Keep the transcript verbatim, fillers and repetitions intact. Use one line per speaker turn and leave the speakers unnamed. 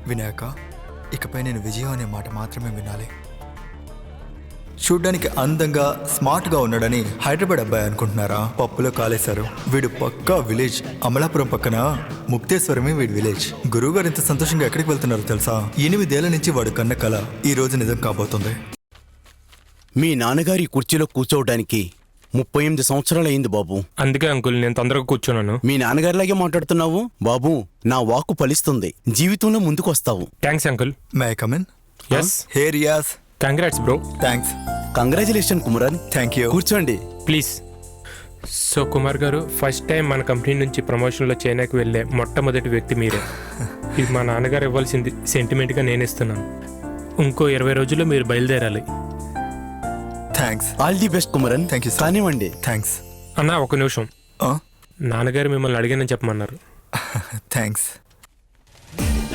వినాయక, ఇకపై నేను విజయం అనే మాట మాత్రమే వినాలి. చూడ్డానికి అందంగా స్మార్ట్గా ఉన్నాడని హైదరాబాద్ అబ్బాయి అనుకుంటున్నారా? పప్పులో కాలేశారు. వీడు పక్కా విలేజ్. అమలాపురం పక్కన ముక్తేశ్వరమే వీడి విలేజ్. గురువు గారు ఇంత సంతోషంగా ఎక్కడికి వెళ్తున్నారో తెలుసా? ఎనిమిదేళ్ల నుంచి వాడు కన్న కల ఈ రోజు నిజం కాబోతుంది.
మీ నాన్నగారి కుర్చీలో కూర్చోవడానికి ముప్పై ఎనిమిది సంవత్సరాలయ్యింది బాబు.
అందుకే అంకుల్ నేను తొందరగా కూర్చున్నాను.
మీ నాన్నగారిలాగే మాట్లాడుతున్నావు బాబు. నా వాక్కు ఫలిస్తుంది. జీవితంలో ముందుకు వస్తావు.
Thanks uncle.
May I come in?
Yes.
Hey Riyaz.
Congrats bro.
Thanks.
Congratulation Kumaran.
Thank you.
కూర్చోండి
please. So Kumar garu, first time మన కంపెనీ నుంచి ప్రమోషన్లో చైనాకి వెళ్ళే మొట్టమొదటి వ్యక్తి మీరే. ఇది మా నాన్నగారు ఇవ్వాల్సింది సెంటిమెంట్గా నేను ఇస్తున్నాను. ఇంకో ఇరవై రోజుల్లో మీరు బయలుదేరాలి.
Thanks.
All the best Kumaran.
Thank you.
కానివ్వండి.
థ్యాంక్స్.
అన్న ఒక నిమిషం.
Uh?
నాన్నగారు మిమ్మల్ని అడిగానని చెప్పమన్నారు.
థ్యాంక్స్.